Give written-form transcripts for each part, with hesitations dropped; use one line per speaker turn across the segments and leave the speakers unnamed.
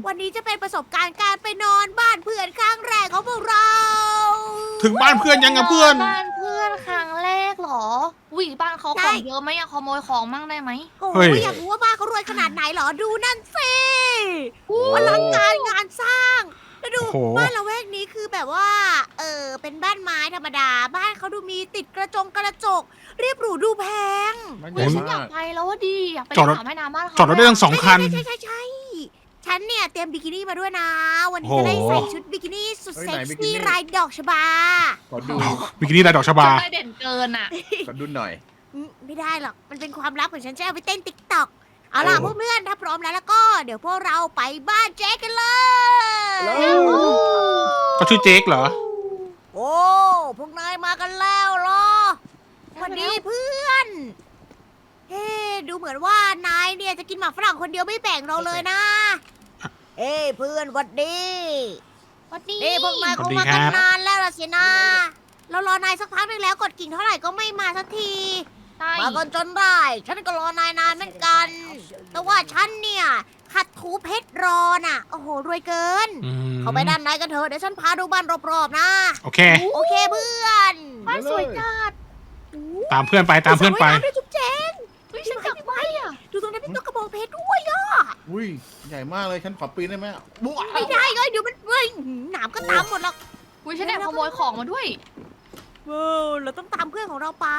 วันนี้จะเป็นประสบการณ์การไปนอนบ้านเพื่อนครั้งแรกของพวกเรา
ถึงบ้านเพื่อนยังกับเพื่อน
บ้านเพื่อนครั้งแรกเหรออุ้ยบ้านเขาของเยอะไหมอะขโมยของมั่งได้ไหม
โอ้
เฮ้
ย
ย
อยากรู้ว่าบ้านเขารวยขนาดไหนเหรอ ดูนั่นสิอลังการงานสร้าง แล้วดู
โอ้โห
บ้านละแวกนี้คือแบบว่า เป็นบ้านไม้ธรรมดา บ้านเขาดูมีติดกระจก เรียบหรูดูแพง
มันให
เฮ้
ญ่
ยฉันอยาม
าก ก
ไปแล้วว่าดีอยากไป
จอดรถ
สระว่ายน้ำบ้านเขา
จอดรถได้ทั้ง2 คัน
ใช่ ฉันเนี่ยเตรียมบิกินี่มาด้วยนะ วันนี้
โอ้
จะ
โห
ได้ใส่ชุดบิกินี่สุดเซ็กซี่ลายดอกชบา
ขอดู
บิกินี่ลายดอกชบา
ได้เด่นเกินอะ
ขอดูหน่อย
ไม่ได้หรอก มันเป็นความลับของฉันจะเอาไปเต้นติ๊กต็อก เอาล่ะ
โอ้
พวกเพื่อนถ้าพร้อมแล้วก็ เดี๋ยวพวกเราไปบ้านเจ๊กันเลย
ก็ชื่อเจ๊กเหรอ
โอ้ พวกนายมากันแล้วเหรอสวัสดีเพื่อน เฮ้ดูเหมือนว่านายเนี่ยจะกินหมากฝรั่งคนเดียวไม่แบ่งเราเลยนะ เอ้เพื่อนหวัดดี
วัดดี
นี่พวกนายคงมากันนานแล้วล่ะสินะ เรารอนายสักพักหนึงแล้วกดกิ่งเท่าไหร่ก็ไม่มาสักที
ใช่
มากันจนได้ ฉันก็รอนายนานเหมือนกัน แต่ว่าฉันเนี่ยขัดถูเพชรรอน่ะ โอ้โห รวยเกิน
อืม
เข้าไปด้านในกันเถอะ เดี๋ยวฉันพาดูบ้านรอบๆนะ
โอเค
โอเคเพื่อน
บ้านสวยจัด
ตามเพื่อนไปตามเพื่อนไป
สระว่ายำด้วยจุ๊บแจง
เฮ้ยฉันอยากไปอะ
ดูตรงนั้นเป็นตัวกระบองเพชรด้วยอะ
อุ้ยใหญ่มากเลยฉันขอปีนได้ไหมบุ๊
ไม่ได้เลยเดี๋ยวมันเฮ้ยหนามก็ตามหมดหรอก
อุ้ยฉันแอบขโมยของมาด้วย
เราต้องตามเพื่อนของเราไป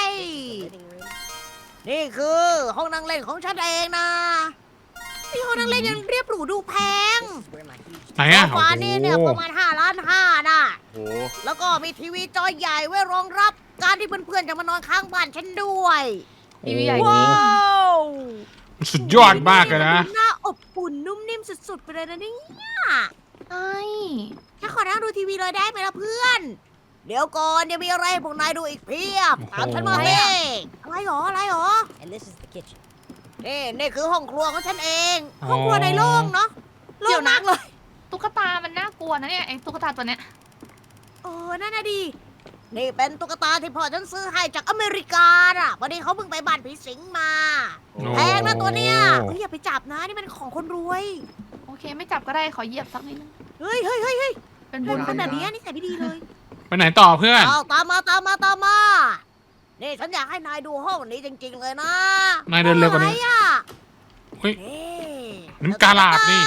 นี่คือห้องนั่งเล่นของฉันเองนะนี่ห้องนั่งเล่นยังเรียบหรูดูแพง
ไหนอ่ะ
โซฟานี่เนี่ยประมาณ5 ล้าน 5น่ะ
โอ้
แล้วก็มีทีวีจอใหญ่ไว้รองรับการที่เพื่อนๆจะมานอนข้างบ้านฉันด้วย
ทีวีใหญ่
ว้าว
มันสุดยอดมากเลยนะ
ดูน่าอบอุ่นนุ่มนิ่มสุดๆไปเลยนะเนี่ย
ใช่
ฉันขอนั่งดูทีวีเลยได้ไหมล่ะเพื่อน เดี๋ยวก่อนยังมีอะไรให้พวกนายดูอีกเพียบ
โอ้โห
ตามฉันมาเฮ้อะไรหรออะไรหรอ
And this is the kitchen.
นี่คือห้องครัวของฉันเอง ห้องครัวในโล่งเนาะโล่งมากเลย
ตุ๊กตามันน่ากลัวนะเนี่ยไอ้ตุ๊กตาตัวเนี้ย
นั่นน่ะดี นี่เป็นตุ๊กตาที่พ่อฉันซื้อให้จากอเมริกาอ่ะพอดีเขาเพิ่งไปบ้านผีสิงมา
โอ้
แพงนะตัวเนี้ยเฮ้ยอย่าไปจับนะนี่มันของคนรวย
โอเคไม่จับก็ได้ขอเหยียบสักนิดนึง
เฮ้ย
เป็น
บุ
บุ
ญ
ญ
เป็นแบบนี้นิสัยไม่ดีเลย
ไปไหนต่อเพื่อน
เอาตามมา นี่ฉันอยากให้นายดูห้องนี้จริงๆเลยนะ
นายเดินเร็วกว่านี้
อะไรอ่ะ
เฮ้ย
นี่
น้ำกาลาดนี่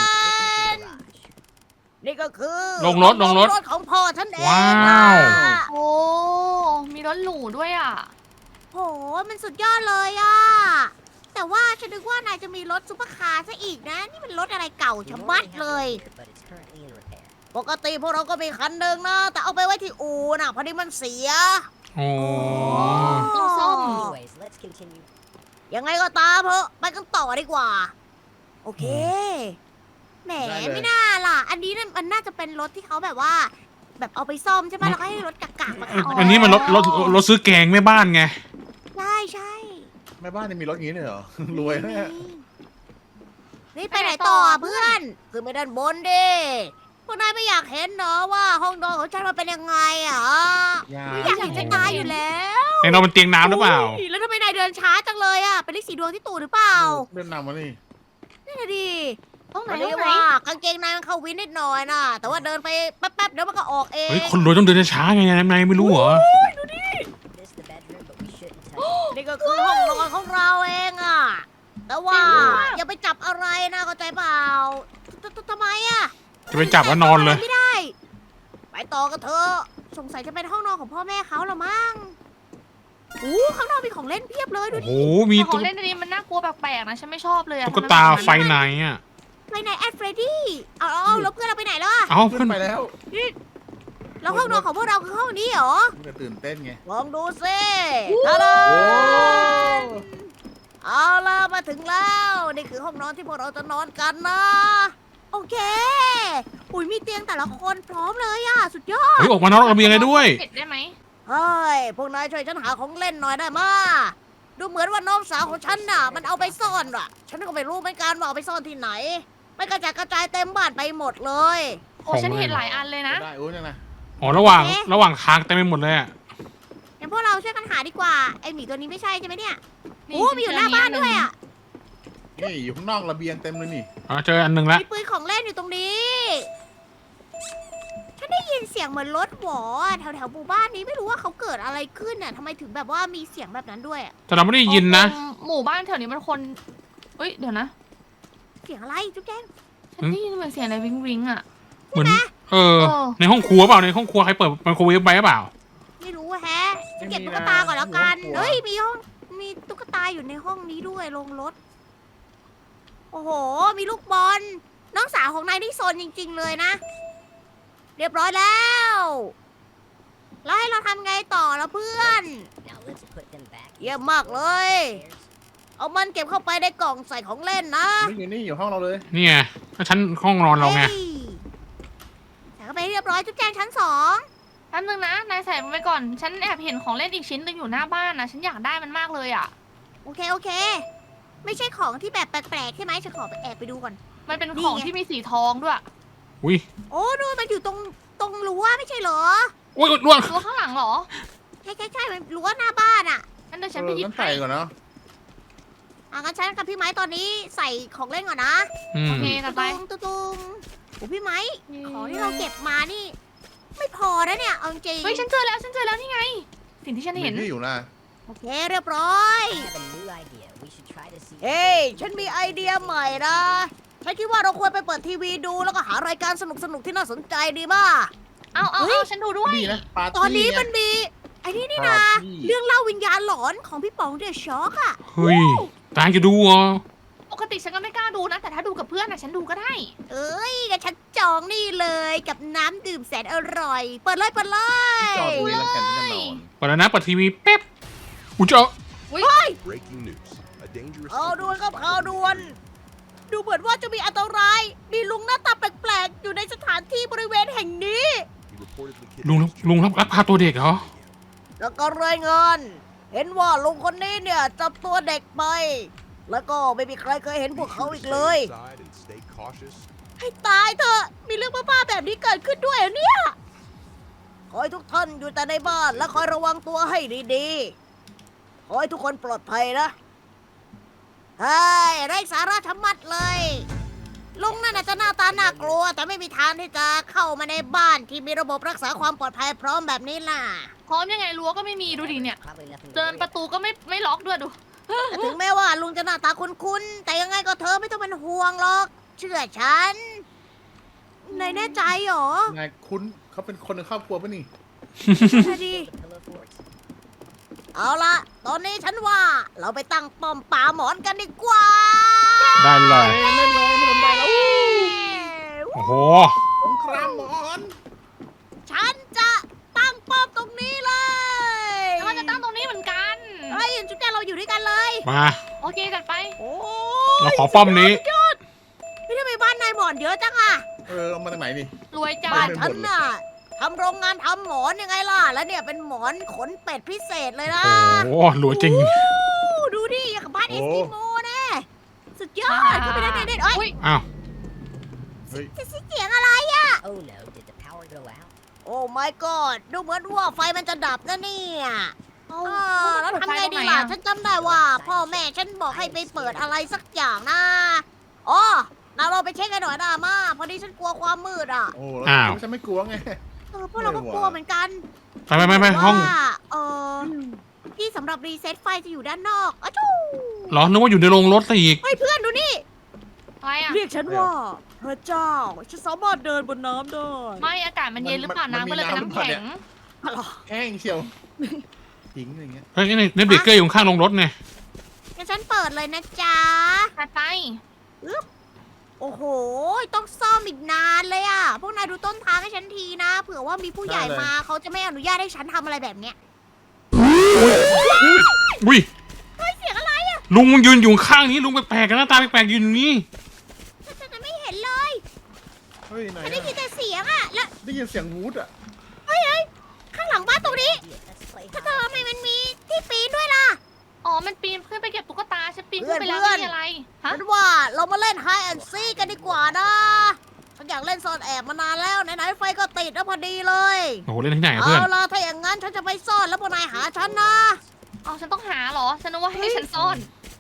นี่ก็คือ
ลงรถ
ของพ่อฉันเอง
ว้าว
อะ
โอ้มีรถหรูด้วยอ่ะ
โหมันสุดยอดเลยอ่ะ แต่ว่าฉันนึกว่านายจะมีรถซุปเปอร์คาร์ซะอีกนะ นี่มันรถอะไรเก่าชะมัดเลย
But it's currently in repair.
ปกติพวกเราก็มีคันหนึ่งนะ แต่เอาไปไว้ที่อู่น่ะพอดีมันเสีย
โอ้
ต้องซ่อม
Anyways, let's continue.
ยังไงก็ตามเถอะไปกันต่อดีกว่า โอเค แหมไม่น่าล่ะ อันนี้น่ะมันน่าจะเป็นรถที่เขาแบบว่า แบบเอาไปซ่อมใช่ไหมแล้วก็ให้รถกากๆมาขับ
อันนี้มันรถซื้อแกงแม่บ้านไง
ใช่
แม่บ้านนี่มีรถอย่างนี้เลยเหรอ รวยนะเนี่ย
นี่ไปไหนต่อเพื่อนขึ้นไปด้านบนดิพวกนายไม่อยากเห็นเนาะว่าห้องนอนของฉันมันเป็นยังไงอ่ะ ไม่อยากเห็นจะตายอยู่แล้ว
ในนอนบนเตียงน้ำหรือเปล่า
ยแล้วทำไมนายเดินช้าจังเลยอ่ะเป็นเลขสีดวงที่ตูดหรือเปล่า
เดินนำมานี่
นั่นน่ะดิ
ต้องไหน
มัน
ต้
เรี
อย ง
ก
ไหน
ว่ากางเกงในมันเข้าวินนิดหน่อยนะแต่ว่าเดินไปแป๊บๆเดี๋ยวมันก็ออกเอง
เฮ้ย คนรวยต้องเดินช้าๆไงนายไม่รู้เหรอ
This is the bedroom, but we shouldn't touch it.
นี่ก็คือห้องนอนของเราเองอ่ะ แต่ว่าอย่าไปจับอะไรนะเข้าใจเปล่าทำไมอ่ะ
จะไปจับว่านอนเลย
ไม่ได้ ไปต่อกันเถอะสงสัยจะเป็นห้องนอนของพ่อแม่เขาละมั้งข้างนอกมีของเล่นเพียบเลยดู
โอ้
ดิ
โห มี
ขอ
ตุ๊
งเล่นอันนี้มันน่ากลัวแปลกๆนะฉันไม่ชอบเลยอะ
กตาไฟไหนอ่ะ
ไปไหนแอดเฟรดดี้เอาแล้วเพื่อนเราไปไหนแล้วอะ
เอ้า
เพื่
เพื่
อ
อน น
ไปแล้ว
แล้วห้องนอนของพวกเราคือห้องนี้เหรอ
มันจะตื่นเต้นไง
ลองดูสิทาดา
โอ้
เอาล่ะมาถึงแล้ว นี่คือห้องนอนที่พวกเราจะนอนกันนะ โอเคอุ้ยมีเตียงแต่ละคนพร้อมเลยอะสุดยอด
เฮ้ย ออกมานอกระเบียงเลยด้วย
เผ็ดได้ไหม
เฮ้ย พวกนายช่วยฉันหาของเล่นหน่อยได้มาดูเหมือนว่าน้องสาวของฉันน่ะ มันเอาไปซ่อนว่ะ ฉันก็ไม่รู้เหมือนกันว่าเอาไปซ่อนที่ไหน ไม่กระจายกระจายเต็มบ้านไปหมดเลย
โอ้ฉันเห็นหลายอันเลยนะ
ได้โอ้ยนั่นนะ
อ๋อ ระหว่างทางเต็มไปหมดเลยอ่ะ
งั้นพวกเราช่วยกันหาดีกว่า ไอหมีตัวนี้ไม่ใช่ใช่ไหมเนี่ย
นี่
โอ้มีอยู่หน้าบ้านด้วยอ่ะ
นี่อยู่ข้างนอกระเบียงเต็มเลยนี่
เจออันหนึ่งละ
มีปืนของเล่นอยู่ตรงนี้ ฉันได้ยินเสียงเหมือนรถหวอแถวแถวหมู่บ้านนี้ไม่รู้ว่าเขาเกิดอะไรขึ้นน่ะทำไมถึงแบบว่ามีเสียงแบบนั้นด้วยอะ
แต่เราไม่ได้ยินนะ
หมู่บ้านแถวนี้มันคนเอ้ยเดี๋ยวนะ
เสียงอะไรจุ๊บแจง
ฉันได้ยินเหมือนเสียงอะไรวิงวิงอ่ะ
เหมือน
เออ
ในห้องครัวเปล่าในห้องครัวใครเปิดไมโครเวฟไว้หรือเปล่า
ไม่รู้อะแฮะจะเก็บตุ๊กตาก่อนแล้วกันเฮ้ยมีตุ๊กตาอยู่ในห้องนี้ด้วยลงรถ โอ้โห มีลูกบอล น้องสาวของนายนี่โซนจริง ๆ เลยนะ เรียบร้อยแล้ว แล้วให้เราทำไงต่อแล้วเพื่อน
Now let's put them back.
เยี่ยมมากเลย เอามันเก็บเข้าไปในกล่องใส่ของเล่นนะ
นี่อยู่ห้องเราเลย
นี่ไงก็ชั้นห้องนอนเราไง
ฮ้ยใส่เข้าไปเรียบร้อยจุ๊บแจงชั้น
แป๊บนึงนะนายใส่มันไปก่อน ฉันแอบเห็นของเล่นอีกชิ้นหนึงอยู่หน้าบ้านนะฉันอยากได้มันมากเลยอ่ะ
2โอเค ไม่ใช่ของที่แบบแปลกๆใช่ไหมฉันขอไปแอบไปดูก่อน
มันเป็น
นี่
ของ
ไง
ที่มีสีทองด้วย
อุ้ย
โอ้นู่นมันอยู่ตรงรั้วไม่ใช่เหรอ
อุ้ยล่วง
ตัวข้างหลังเหรอ
ใช่มันรั้วหน้าบ้านอ่ะ
งั้นเดี๋ยวฉันไปหยิบ
งั้น
ให้
ใส่ก่อนเนาะ
งั้นฉันกับพี่ไม้ตอนนี้ใส่ของเล่นก่อนนะ
อื
โอ
ม
เคกันไป
ตุ้งโอ้พี่ไม้ของที่เราเก็บมานี่ ไม่พอนะเนี่ยเอาจริง
เฮ้ยฉันเจอแล้วนี่ไง สิ่งที่ฉันเห็น
มีที่อยู่นะ
โอเคเรียบร้อย
I have a new idea. We should try to see.
เฮ้ยฉันมีไอเดียใหม่นะฉันคิดว่าเราควรไปเปิดทีวีดูแล้วก็หารายการสนุกๆที่น่าสนใจดีมาก
เอาฉันดูด้วย
ดีนะปาร์ตี้
ตอนนี้
ไง
มันมีไอ้นี่
ปา
นะ
ร์ตี้
เรื่องเล่าวิญญาณหลอนของพี่ป๋องเดอะช็อกอะ
เฮ้ยตายจะดูเหรอ
ปกติฉันก็ไม่กล้าดูนะ แต่ถ้าดูกับเพื่อนนะฉันดูก็ได้
เอ้ยงั้นฉันจองนี่เลยกับน้ำดื่มแสนอร่อย เปิดเลย
จอดดูแล้วกันจะนอน
เปิดแล้วนะเปิดทีวีแป๊บอุ้ยเจ้า
Breaking news. A dangerous
ข่าวด่วนครับข่าวด่วน ดูเหมือนว่าจะมีอันตราย มีลุงหน้าตาแปลกๆ อยู่ในสถานที่บริเวณแห่งนี้
He reportedly
ลุงรับพาตัวเด็กเหรอ
แล้วก็รายงาน เห็นว่าลุงคนนี้เนี่ยจับตัวเด็กไป แล้วก็ไม่มีใครเคยเห็นพวกเขาอีกเลย
inside and stay cautious.
ให้ตายเถอะ มีเรื่องบ้าๆแบบนี้เกิดขึ้นด้วยเหรอเนี่ย ขอให้ทุกท่านอยู่แต่ในบ้านและคอยระวังตัวให้ดีๆ ขอให้ทุกคนปลอดภัยนะ เฮ้ยไร้สาระชะมัดเลย ลุงนั่นอาจจะหน้าตาน่ากลัว แต่ไม่มีทางที่จะเข้ามาในบ้านที่มีระบบรักษาความปลอดภัยพร้อมแบบนี้ล่ะ
พร้อมยังไงรั้วก็ไม่มีดูดิเนี่ย
Probably nothing to
เดิน
worry
ประตูก็ไม่ล็อกด้วยดู
แต่ถึงแม้ว่าลุงจะหน้าตาคุ้นๆ แต่ยังไงก็เธอไม่ต้องเป็นห่วงหรอก เชื่อฉันนายแน่ใจเหรอ
นายคุ้นเขาเป็นคนในครอบครัวป่ะนี่
ใช่ดิ
about. Pillow forts.
เอาละตอนนี้ฉันว่าเราไปตั้งป้อมป่าหมอนกันดีกว่า
ได้เลย
เล่นเลยไม่ลำบากแล้ว
โอ้โห
สงครามหมอน
ฉันจะตั้งป้อมตรงนี้เลย
แล้วมันจะตั้งตรงนี้เหมือนกัน
เฮ้ยจุ๊บแจเราอยู่ด้วยกันเลย
มา
โอเคจัดไป
โอ้
เราขอป้อมนี้
ไม่ทำไมบ้านนายหมอนเยอะจังอะ
เอามาจากไหนนี่
รวยจั
บ้า
ด
นฉันน่ะทำโรงงานทำหมอนยังไงล่ะ แล้วเนี่ยเป็นหมอนขนเป็ดพิเศษเลยนะ
โอ้โหหลัวจริง
โอ้ดูดิอย่างกับบ้านเอสกิโมแน่สุดยอดเข้าไปได้เด็ดๆเอ้ย
อุ๊ย
อ้าว
เฮ้ย
เสียงอะไรอะ
Oh no, did the power go out?
โอ้ my god ดูเหมือนว่าไฟมันจะดับนะเนี่ย
เอา
แล้วทำไงดีล่ะ ฉันจำได้ว่า พ่อแม่ฉันบอกให้ไปเปิดอะไรสักอย่างนะอ๋อนาเราไปเช็คกันหน่อยนะมาพอดีฉันกลัวความมืดอ่ะ
โอ้
อ้าว
แล้วฉันไม่กลัวไง
พวกเราก็กลัวเหมือนกัน
ไปห้อง
ว่าที่สำหรับรีเซ็ตไฟจะอยู่ด้านนอกอะจู้
เหรอนึกว่าอยู่ในโรงรถซะอีก
เฮ้ยเพื่อนดูนี่
อะไรอ่ะ
เรียกฉันว่าพระเจ้า ฉันสามารถเดินบนน้ำได้
ไม่อากาศมันเย็นหรือเปล่าน้ำก็เลยเป็นน้ำแข็ง
แห้งเชียวทิ้งอะไรเงี้ย
เฮ้ยนี่เนฟเบเกอร์อยู่ข้างโรงรถไง
งั้นฉันเปิดเลยนะจ๊ะ
ถัดไป
โอ้โห ต้องซ่อมอีกนานเลยอ่ะ พวกนายดูต้นทางให้ฉันทีนะ เผื่อว่ามีผู้ใหญ่มาเขาจะไม่อนุญาตให้ฉันทำอะไรแบบเนี้ย
อุ้ย
เฮ้ยเสียงอะไรอ่ะ
ลุงยืนอยู่ข้างนี้ลุงแปลกๆกันหน้าตาแปลกๆยืนอยู่นี่
ฉันจะไม่เห็นเลย
เฮ้ยไหน
ฉันได้
อะ
ยินแต่เสียงอ่ะ แล้ว
ได้ยินเสียงวูดอะ
ข้างหลังบ้านตรงนี้
Idea. Let's play
ถ้า
hide.
เธอทำไมมันมีที่ปีนด้วยล่ะ
อ๋อ มันปีนขึ้นไปเก็บตุ๊กตาฉันปีนขึ้นไปแล้ว
เพื่อน
ไม่มีอะไร ฮะ
ฉันว่าเรามาเล่น Hide and Seek กันดีกว่านะ ฉันอยากเล่นซ่อนแอบมานานแล้ว ไหนๆไฟก็ติดแล้วพอดีเลย
โอ้โหเล่นที่ไหนอะเพื่อน
เอาล่ะถ้าอย่างนั้นฉันจะไปซ่อนแล้วพวกนายหาฉันนะ
อ๋อ ฉันต้องหาเหรอ ฉันนึกว่าให้ฉันซ่อน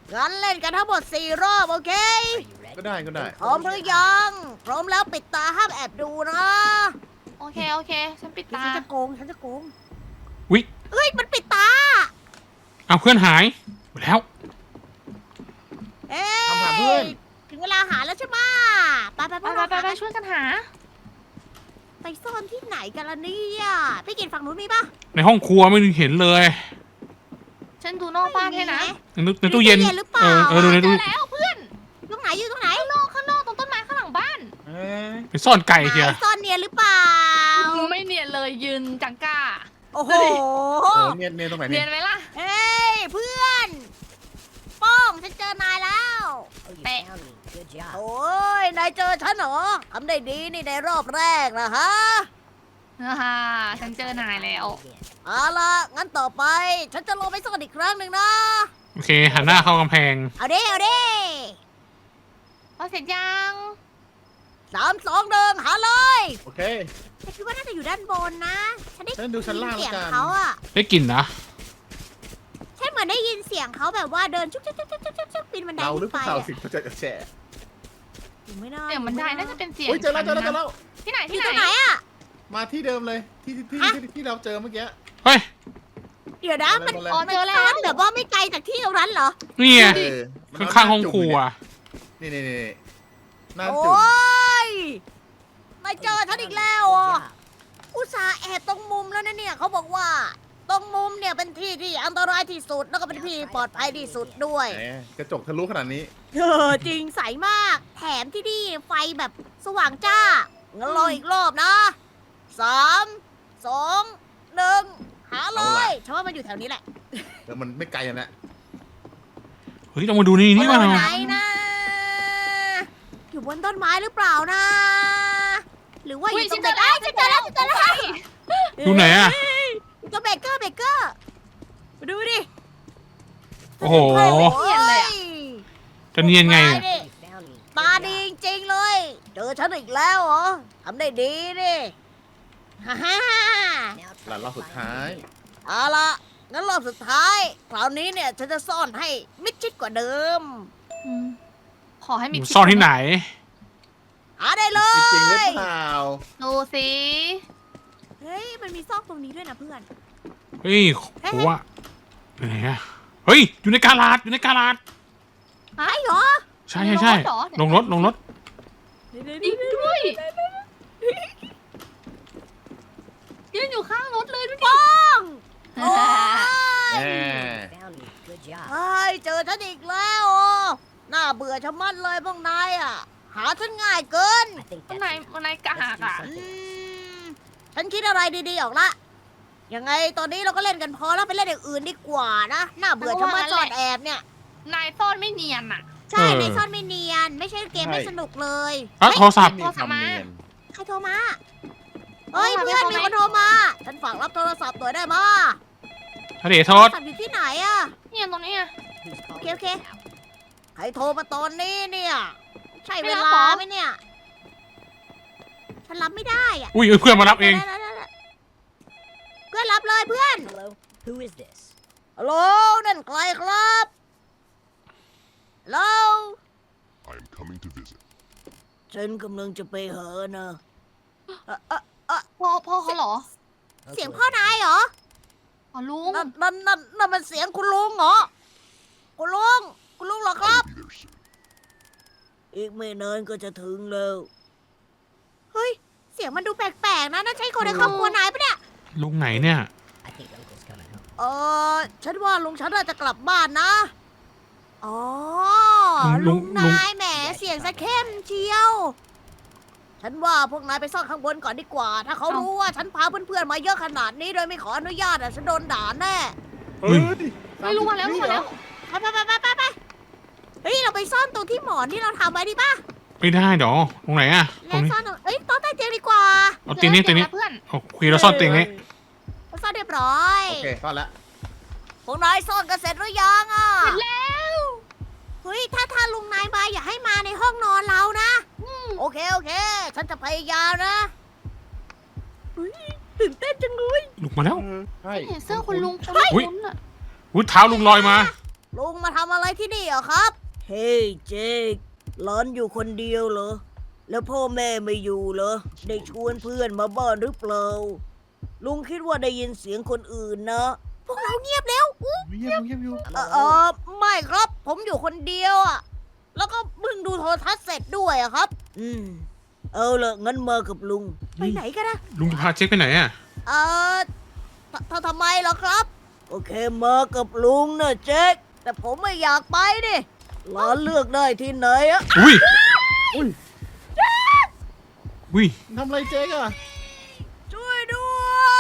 งั้นเล่นกันทั้งหมด4 รอบโอเค
Are you ready?
ก็ได้ก็ได้
พร้อมหรือยัง พร้อมแล้วปิดตาห้ามแอบดูนะ
โอเคฉันปิด
ฉั
ตา
นจะโกง ฉันจะโกง
วิ
เฮ้ย มันปิดตา
เอาเพื่อนหายหมดแล้ว
เอ้
ทำหาเพื่อน
ถึงเวลาหาแล้วใช่ไหมไปพวก
ไป
เรา
ไปช่วยกันหา
ไปซ่อนที่ไหนกันล่ะเนี่ยพี่กินฝั่งนู้นมีปะ
ในห้องครัวไม่เห็นเลย
ฉันดูนอกบ้านให้นะ
ในตู้เย็น
หรือเปล่า
เออดูใน
เจ
ตู้
อแล้วเพื่อน
ตรงไหนอยู่ตรงไหน
ข้างนอกตรงต้นไม้ข้างหลังบ้าน
เอ้ย
ไปซ่อนไก่เชีย
ไหนซ่อนเนียนหรือเปล่า
ไม่เนียนเลยยืนจังก้า
โอ้โห
โอ้เนียนเนียนตรงไหน
เนี
เนี่ย ย
นไหมล่ะ
เฮ้ยเพื่อนโป้องฉันเจอนายแล้ว
Oh, you
Hey.
found me. Good job.
โอ้ยนายเจอฉันเหรอทำได้ดีนี่ในรอบแรกนะฮะ
ฉันเจอนายแล้ว
Again.
เอาล่ะงั้นต่อไป ฉันจะลงไปซ่อนอีกครั้งหนึ่งนะ
โอเคหันหน้าเข้ากำแพง
เอาดิเอาดิ
เอาเสร็จยัง
3 2 1หาเลย
โอเค
ฉันคิดว่าน่าจะอยู่ด้านบนนะ ฉันได้
ฉันดูชั้นล่าง
เสียง
แล้วกัน
เขาอะ
ได้กลิ่นนะ
ฉันเหมือนได้ยินเสียงเขาแบบว่าเดินชุกชุกชุกชุกชุกชุกปีนบันได
เราหรื
ขึ้
อน เป
ไป
ล่า
อะ
สิเขาจะแฉะ
อยู่ไม่น่า
เสียงมันได้น่าจะเป็นเสียง
เฮ้ยเจอแล้วเจอแล้วเจอแล้ว
ที่ไหน
อ
ที่
ยู่
ไหน
ตรงไหนอะ
มาที่เดิมเลยที่
ฮะ
ที่เราเจอเมื่อกี้
เฮ้ย
เดี๋ยวนะมัน
มาเลย
อ๋อ
มัน
เจอแล้
ซ่อ
วน
แบบว่าไม่ไกลจากที่ตรงนั้นเหรอ
นี่ไง
เออมัน
ข้างๆห้องครัว
นี่หน้า
โอ
จุ่ม้
ยนายเจอฉันอีกแล้วอ่ะ อุตส่าห์แอบตรงมุมแล้วนะเนี่ยเขาบอกว่า ตรงมุมเนี่ยเป็นที่ที่อันตรายที่สุดแล้วก็เป็นที่ปลอดภัยที่สุดด้วย
แหมกระจกทะลุขนาดนี้
จริงใสมาก แถมที่นี่ไฟแบบสว่างจ้างั้นรออีกรอบนะ 3 2 1 หาเลยฉันว่ามันอยู่แถวนี้แหละ
เดี๋ยวมันไม่ไกลนะ
เฮ้ยต้องมาดูนี่นี่
อยู่
มา
ไหนนะ อยู่บนต้นไม้หรือเปล่านะ หรือว่าอยู่ตรงไหนอ้าวฉันเจอแล้วฉันเจอแล้ว
ดูไหนอะ
ตัวเบเกอร์มาดูดิ
โอ้โห
เนียนเลยอะ
จะเนียนไงเนี่ย
นี่
You found me.
ตาดีจริงๆเลย เจอฉันอีกแล้วเหรอทำได้ดีนี่ฮ่าฮ่า
Now
หลานรอบสุดท้าย
เอาละงั้นรอบสุดท้าย คราวนี้เนี่ยฉันจะซ่อนให้มิดชิดกว่าเดิม
อืมขอให้มี
ซ่อนที่ไหน
หาได้เล
จริงๆหรื
ย
อเปล่า
ดูสิ
เฮ้ย มันมีซอกตรงนี้ด้วยนะเพื่อน
เฮ้ยโหว่าไหนอะเฮ้ยอยู่ในกาลาดอยู่ในกาลาด
หายเหรอ
ใช่ลงรถ
จริงด้วยยืนอยู่ข้างรถเลยดูดิ
ป้องโอ้
แห
ย
ม
found me. Good job.
เฮ้ยเจอฉันอีกแล้วอ่ะน่าเบื่อชะมัดเลยพวกนายอ่ะ หาฉันง่ายเกิน
I think
วัน
that's
ไหน
it.
วันไหนกะหัก
Let's do
อ่ะ
อื
something.
มฉันคิดอะไรดีๆออกละ ยังไงตอนนี้เราก็เล่นกันพอแล้วไปเล่นอย่างอื่นดีกว่านะ น่าเบื่อชะมัดซ่อนแอบเนี่ย
นายซ่อนไม่เนียนอ่ะ
ใช่ในซ่อนไม่เนียน ไม่ใช่เกมไม่สนุกเลย
อ่ะโทรศัพท์
มีความเนียน
ใครโทรมา เฮ้ย
โทรมา
เพื่อน
ไม่
มี
โทร
คนโทรมา ฉันฝากรับโทรศัพท์ตัวได้มา
ทะเลโท
โทร
ษ
ศัพท์อยู่ที่ไหนอะ
เนี่ยตรงนี้อะ
Who's calling
Okay, okay.
us now?
ใครโทรมาตอนนี้เนี่ย ใช่
ไม่
เว
รับ
ลา
เหรอ
ไหมเนี่ย ฉันรับไม่ได้อะ
อุ้ยเพื่อนมารับเอง
ได้เพื่อนรับเลยเพื่อน
Hello. Who is this?
ฮัลโหลนั่นใครครับฮัลโหล
I am coming to visit.
ฉันกำลังจะไปหานะ
พ่อเขาเหรอ
เสียงพ่อนายเหรอ
อ๋อลุง
นั่นมันเสียงคุณลุงเหรอ คุณลุงเหรอครับ
I'll be there soon.
อีกไม่นานก็จะถึงแล้ว เฮ้ย เสียงมันดูแปลกๆนะนั่นใช่คนในครอบครัวนายปะเนี่ย
ลุงไหนเนี่ย
I think Uncle's coming home.
ฉันว่าลุงฉันน่าจะกลับบ้านนะ อ๋อ
ลุ
ลุ
ง
งนายแหมเสียงสะเข้มเชียว ฉันว่าพวกนายไปซ่อนข้างบนก่อนดีกว่า ถ้าเขารู้ว่าฉันพาเพื่อนๆมาเยอะขนาดนี้โดยไม่ขออนุญาตฉันโดนด่าแน่
เฮ้ย
ไม่รู้มาแล้วรู้มาแล้ว
ไปเฮ้ย เราไปซ่อนตรงที่หมอนที่เราทำไว้ดีป่ะ
ไม่ได้ดอกตรงไหนอะตร
และ
งนี้
ซ่อนตรงโต๊ะใต้เตียงดีกว่า
เอาเตียงนี้เตียงนี้
เพื่อน
โอเคเราซ่อนเตียงนี้
เราซ่อนเรียบร้อย
โอเคซ่อนแล้ว
พวกนายซ่อนกันเสร็จหรือยังอ่ะ
เสร็จแล้ว
เฮ้ย ถ้าลุงนายมาอย่าให้มาในห้องนอนเรานะ โอเค ฉันจะพยายามนะเฮ้ยตื่นเต้นจังเลย
ลุกมาแล้ว
ใช่
เห็นเสื้อคุณลุงคุณ
เฮ้ย
ลุงอะ
อุ้ยเท้าลุงลอยมา
ลุงมาทำอะไรที่นี่อะครับ เฮ้ยเจคหลอนอยู่คนเดียวเหรอ แล้วพ่อแม่ไม่อยู่เหรอ ได้ชวนเพื่อนมาบ้านหรือเปล่า ลุงคิดว่าได้ยินเสียงคนอื่นนะ พวกเราเงียบแล้ว
เงียบอยู่
ไม่ครับ ผมอยู่คนเดียวอะแล้วก็เพิ่งดูโทรทัศน์เสร็จด้วยอะครับ เอาละงั้นมากับลุง ไปไหนกันนะ
ลุงจะพาเจ๊กไปไหนอ่ะ
ทำไมเหรอครับ โอเคมากับลุงนะเจ๊กแต่ผมไม่อยากไปดิหลานเลือกได้ที่ไหนอะ
อุ้ย
อุ้ย
อุ้ย
ทำอะไรเจ๊กอะ
ช่วยด้วย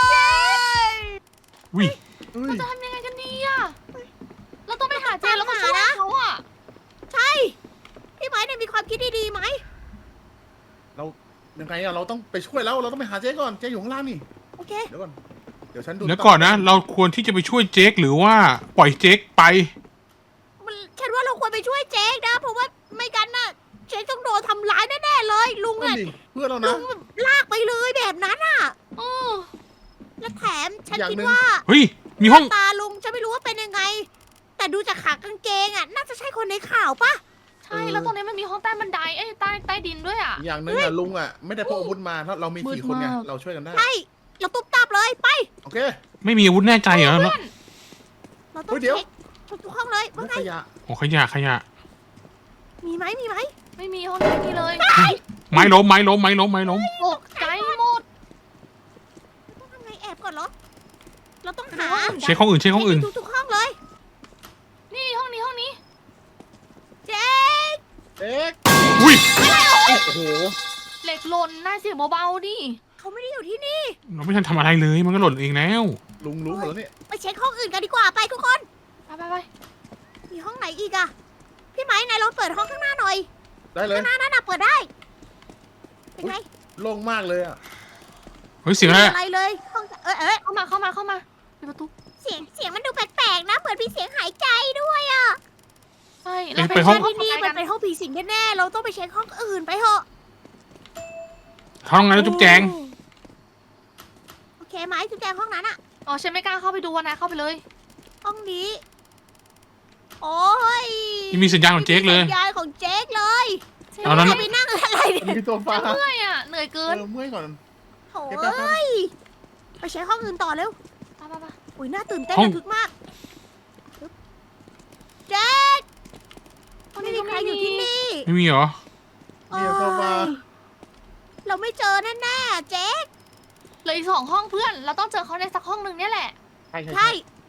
อุ้ย
อุ้ย
จะทำยังไงกันดีอะเราต้องไปหาเจนแล้วก็ช่วยเขาอะ
ใช่ พี่ไม้เนี่ยมีความคิดดีๆไหม
เรายังไงอะเราต้องไปช่วยแล้วเราต้องไปหาเจ๊ก่อนเจ๊อยู่ข้างล่างนี่
โอเค
เดี๋ยวก่อนเดี๋ยวฉันดู
เดี๋ยวก่อนนะ เราควรที่จะไปช่วยเจ๊กหรือว่าปล่อยเจ๊กไป
ฉันว่าเราควรไปช่วยเจ๊กนะ เพราะว่าไม่กันน่ะ เจ๊กต้องโดนทำร้ายแน่ๆเลย ลุง
นั่
อะ
นดิเพื่อนเรา
ลุ
นะ
งแบบลากไปเลยแบบนั้นอะ
เออ
และแถมฉัน
อย่าง
คิด
หนึ่ง
ว่า
เฮ้ย มีห้อง
ตาลุงจะไม่รู้ว่าเป็นยังไง แต่ดูจากขากางเกงอะน่าจะใช่คนในข่าวปะ
ใช่แล้วตรงนี้มันมีห้องใต้บันไดเอ้ยใต้ดินด้วยอะ
อย่างหนึงอะลุงอะไม่ได้พกอาวุธมาถ้าเรามี
มืด
4 คนไง
มาก
เราช่วยกันได้
ใช่เราตุ๊บตับเลยไป
โอเค
ไม่มีอาวุธแน่ใจเหรอแล้ว
เราต้อ
เฮ้
ง
ยเดี๋ยว
เช็คทุกห้องเลยว่าไง
ขยะ
โอ้ขยะขยะ
มีไหม
ไม่มีห้องนี้เลย
ไม้ล้มไม้ล้มไม้ล้มไม้ล้ม
ตกใจหมด
ต้องทำไงแอบก่อนเหรอ เราต้องหา
เช็คห้องอื่นเช็คห้องอื่น
ทุกห้องเลย
นี่ห้องนี้
เจ๊ก
เจ๊ก
อุ้ย
โอ้โห
เหล็กหล่นน่าเสียงเบาๆดิ
เขาไม่ได้อยู่ที่นี่
เราไม่ทันทำอะไรเลย มันก็หล่นเองแล้ว
ลุงรู้หมดแล้วเนี่ย
ไปเช็คห้องอื่นกันดีกว่าไปทุกคน
ไป
มีห้องไหนอีกอะพี่ไม้นายลองเปิดห้องข้างหน้าหน่อย
ได้เลย
ข้างหน้านั่นน่ะเปิดได้ เป็นไง
โล่งมากเลยอะ
เฮ้ยเสียงอะไร
ม่มี
อะ
อะไรเลย ห้อง
เข้ามาปิดประตู
เสียงมันดูแปลกๆนะ เหมือนมีเสียงหายใจด้วยอะ
ใช่
เอ้ยไปห้อง
ที่นี่มันเป็นห้องผีสิงแน่ๆ เราต้องไปเช็คห้องอื่นไปเถอะ
ห้องไงแล้วจุ๊บแจง
โอเคไหมจุ๊บแจงห้องนั้นอะ
อ๋อฉันไม่กล้าเข้าไปดูนะเข้าไปเลย
ห้องนี้ โอ้ย
นี่มีสัญญาณของเจ๊กเลย
สัญญาณของเจ๊กเลย
เอาแล้ว
จะไปนั่งอะไรเนี่ย
มีโซฟา
เมื่อยอ่ะเหนื่อยเกิน
เมื่อยก่อน
โถ่เอ้ยไปเช็คห้องอื่นต่อเร็ว
ไป
อุ้ยน่าตื่นเต้น
ห้อง
ระทึกมากปึ๊บเจ๊กไม่มีใครอยู่ที่นี่
ไม่มีเหรอ
เนี่ยโซฟา
โอ้ยเราไม่เจอแน่ๆเจ๊ก
เหลืออีก2 ห้องเพื่อน เราต้องเจอเขาในสักห้องหนึ่งเนี่ยแหละ
ใช่
ใช่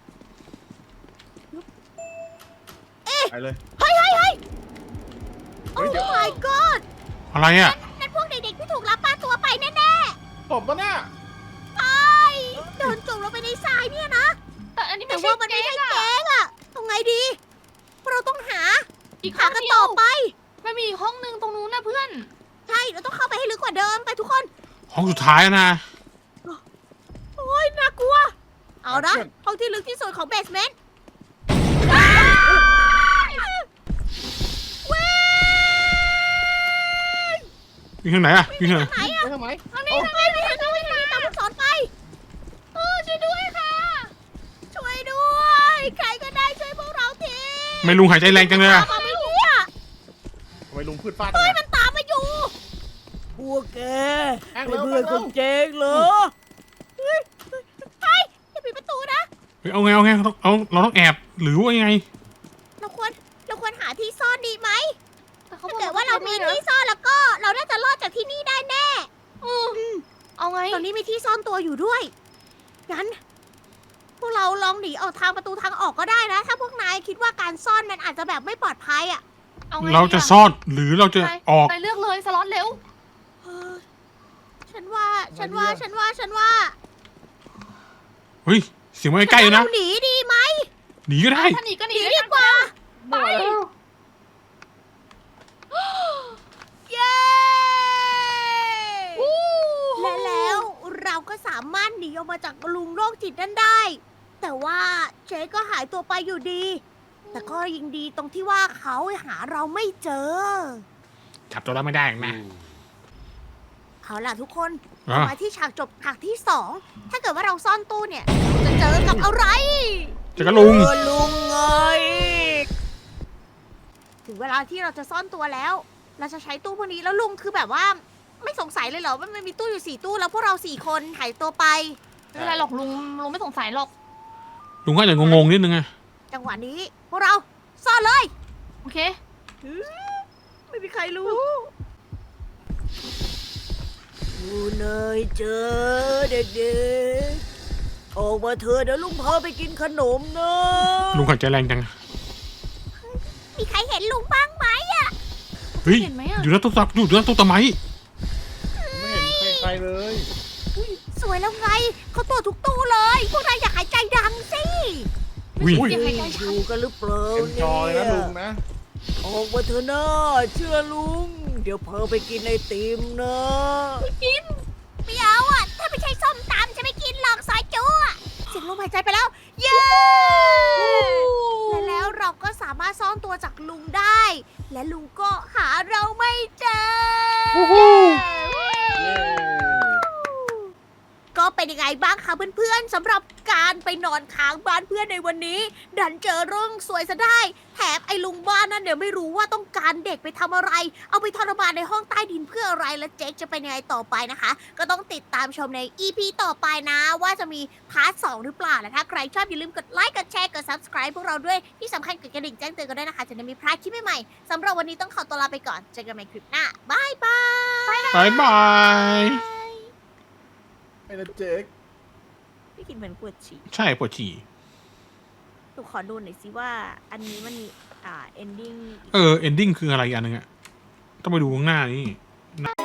ไปเลย
เฮ้ย
เฮ้
โอ้
ยเดี๋ยว
my god
อะไรอ่ะ
นั่นพวกเด็กๆที่ถูกลักพาตัวไปแน่
ผมปะเนี่ย
ๆไปโดนจุ่มลงไปในทรายเนี่ยนะ
แต่อันนี้
แต่
ไม่ใช่
ว่ามันไม่
เจ๊
ใช่
กอะ
เจ๊กอะทำไงดีพวกเราต้องหา
อีก
หา
ห้อง
กัน
เดีย
ต่อ
ว
ไป
มันมีอีกห้องหนึ่งตรงนู้นนะเพื่อน
ใช่ เราต้องเข้าไปให้ลึกกว่าเดิมไปทุกคน
ห้องสุดท้ายนะ
โอ้ยน่ากลัว เอานะห้องที่ลึกที่สุดของเบสเมนต์เว้ย
อยู่ทางไหนอ่ะอยู่ทางไหน
ไหนอะ
ไปทำไม
ทางนี้ทางนี้ทางนี้ตามลูกศรไปช่วยด้วยค่ะ ช่วยด้วย ใครก็ได้ช่วยพวกเราที
ไม่ลุงหายใจแรงจังเลยอะ
ตามมาไม่เนี่ย
ทำไมลุงพืชฟาด
เฮ้ย
ทำไม
มันตามมาอยู่ พวกแก
แองเร็ว
เพื่อนของเจ๊กเหรอเฮ้ยอย่าปิดประตูนะ
เฮ้ยเอาไงเราต้องแอบหรือว่ายังไง
เราควรหาที่ซ่อนดีไหม
แต่เขา
ถ้า
บอก
เกิดว่าเรามีที่ซ่อนแล้วก็ เราน่าจะรอดจากที่นี่ได้แน่
เอาไง
ตอนนี้มีที่ซ่อนตัวอยู่ด้วย งั้น พวกเราลองหนีออกทางประตูทางออกก็ได้นะ ถ้าพวกนายคิดว่าการซ่อนมันอาจจะแบบไม่ปลอดภัยอ่ะ
เอาไง
เราจะซ่อนหรือเราจะออก
ไปเลือกเลยสล็อตเร็ว
เออฉันว่า
เฮ้ยเสียงมันใกล้ๆเลยนะ
เราหนีดีไหม
หนีก็ได้
ถ้าหนีก็ห
ห
นี
นี
ด้
ดี
วย
กว่า
ไป
เย้และแล้วเราก็สามารถหนีออกมาจากลุงโรคจิตนั้นได้ แต่ว่าเจ๊ก็หายตัวไปอยู่ดี แต่ก็ยังดีตรงที่ว่าเขาหาเราไม่เจอ
จับตัวเราไม่ได้หรอกนะ
เอาล่ะทุกคน
อ่ะ
มาที่ฉากจบฉากที่ 2 ถ้าเกิดว่าเราซ่อนตู้เนี่ย จะเจอกับอะไร
เจอกันลุง
ลุงไงลาที่เราจะซ่อนตัวแล้ว เราจะใช้ตู้พวกนี้แล้วลุงคือแบบว่าไม่สงสัยเลยเหรอว่ามันมีตู้อยู่4 ตู้แล้วพวกเรา4 คนหายตัวไป
ไม่เป็นไรหรอกลุงไม่สงสัยหรอก
ลุงก็อาจจะงงๆนิดนึงไง
จังหวะนี้พวกเราซ่อนเลย
โอเค
ไม่มีใครรู้ดูเนยเจอเด็กๆออกมาเถอะเดี๋ยวลุงพาไปกินขนมนะ
ลุงหายใจแรงจัง
มีใครเห็นลุงบ้างไหม
เฮ้ย
เห็นไหมอะ
อยู่หน้าตู้ตักอยู่หน้าตู้ตะไม้
ไม่เห็นใครเลย
สวยแล้วไงเขาตัวทุกตู้เลย พวกนายอยากหายใจดังสิ
อุ้ย
เสียงหายใจชัด
ดูกันหรือเปล่า
เต็มจอเลยนะลุงนะ
ออกมาเถอะนะเชื่อลุง เดี๋ยวเพอไปกินไอติมนะกินไม่เอาอ่ะ ถ้าไม่ใช่ส้มตำจะไม่กินหรอกซอยจูอ่ะเสียงลมหายใจไปแล้ว เย้และแล้วเราก็สามารถซ่อนตัวจากลุงได้ และลุงก็หาเราไม่เจอ ก็เป็นยังไงบ้างคะเพื่อนๆสำหรับการไปนอนค้างบ้านเพื่อนในวันนี้ ดันเจอเรื่องสวยซะได้แถมไอ้ลุงบ้านนั่นเดี๋ยวไม่รู้ว่าต้องการเด็กไปทำอะไร เอาไปทรมานในห้องใต้ดินเพื่ออะไรและเจ๊กจะเป็นยังไงต่อไปนะคะ ก็ต้องติดตามชมใน EP ต่อไปนะ ว่าจะมีพาร์ท 2 หรือเปล่าและถ้าใครชอบอย่าลืมกดไลค์กดแชร์กด subscribe พวกเราด้วยที่สำคัญกดกระดิ่งแจ้งเตือนกันด้วยนะคะจะได้ไมีพลาดคลิปใหม่ๆสำหรับวันนี้ต้องขอตัวลาไปก่อนเจอกันใหม่คลิปหน้าบายบาย
บายบาย
ไอ้นะเจ๊ก
พี่กินเหมือนปวดฉี่
ใช่ปวดฉี่
หนูขอดูหน่อยสิว่าอันนี้มันมีending
เอนดิ้งคืออะไรอีกอันนึงอะต้องไปดูข้างหน้านี่